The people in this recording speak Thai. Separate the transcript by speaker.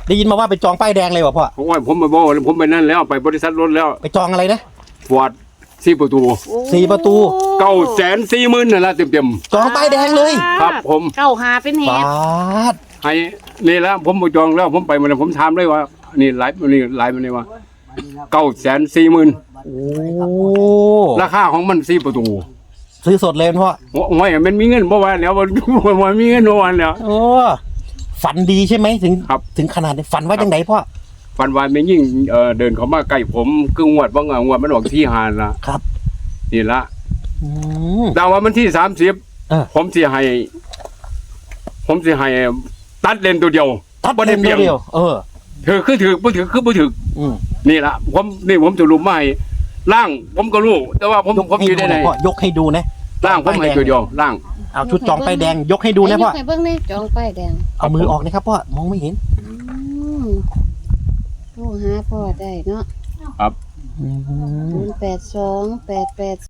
Speaker 1: ได้ยินมาว่าไปจองป้ายแดงเลยวะพ่อ
Speaker 2: เพราะว่าผมมาบอกผมไปนั่นแล้วไปบริษัทรถแล้ว
Speaker 1: ไปจองอะไรนะ
Speaker 2: ฟอร์ด4 ประตู
Speaker 1: 4 ประตู
Speaker 2: 940,000นั่นละเต็ม
Speaker 1: จองป้ายแดงเลย
Speaker 2: ครับผม
Speaker 3: เก้าหาเป็นเห
Speaker 1: ปา
Speaker 3: ตุ
Speaker 1: ด
Speaker 2: ๆให้นี่แล้วผมบ่จองแล้วผมไปมาแล้วผมถามเลยว่านี่ไลฟ์นี่ไลฟ์มันนี่ว่า940,000
Speaker 1: โอ้
Speaker 2: ราคาของมัน4 ประตู
Speaker 1: ซื้อสดเลยพ่อ
Speaker 2: โอ้ยมันมีเงินบ่ว่าแล้วบ่มีเงินบ่ว่าแล้ว
Speaker 1: โอ้ฝันดีใช่ไหมถึง
Speaker 2: ครับ
Speaker 1: ถึงขนาดนี้ฝันว่าจังไดพ่อ
Speaker 2: ฟันวานไม่ยิ่งเดินเข้ามาใกล้ผมคืองวดว่างวดมันออกที่หานละ
Speaker 1: ครับ
Speaker 2: นี่ละ
Speaker 1: อืม
Speaker 2: แต่ว่ามันที่30ผมสิให้ตัดเลนตัวเดียว
Speaker 1: ตัด
Speaker 2: บ่
Speaker 1: เล
Speaker 2: ได้
Speaker 1: น
Speaker 2: เปรียบ
Speaker 1: เดียว
Speaker 2: ถือคือถือบ่ถือคือบ่ถือ
Speaker 1: อืม
Speaker 2: นี่ละผมจะรู้มาให้ล่างผมก็รู้แต่ว่าผม
Speaker 1: ยกให้
Speaker 2: อยู่
Speaker 1: ดู
Speaker 2: ได้ไหน
Speaker 1: นะพ่อยกให้ดูนะ
Speaker 2: ล่างผมให้ตัวเดียวล่าง
Speaker 1: เอาชุดจองป้ายแดงยกให้ดูนะพ่อ
Speaker 3: ให้เบิ่งนี่จองป้ายแดง
Speaker 1: เอามือออกนะครับพ่อมองไม่เห็น
Speaker 3: โทรหาพ่อได้เนาะ
Speaker 2: ครับ
Speaker 1: อืม
Speaker 3: 082 882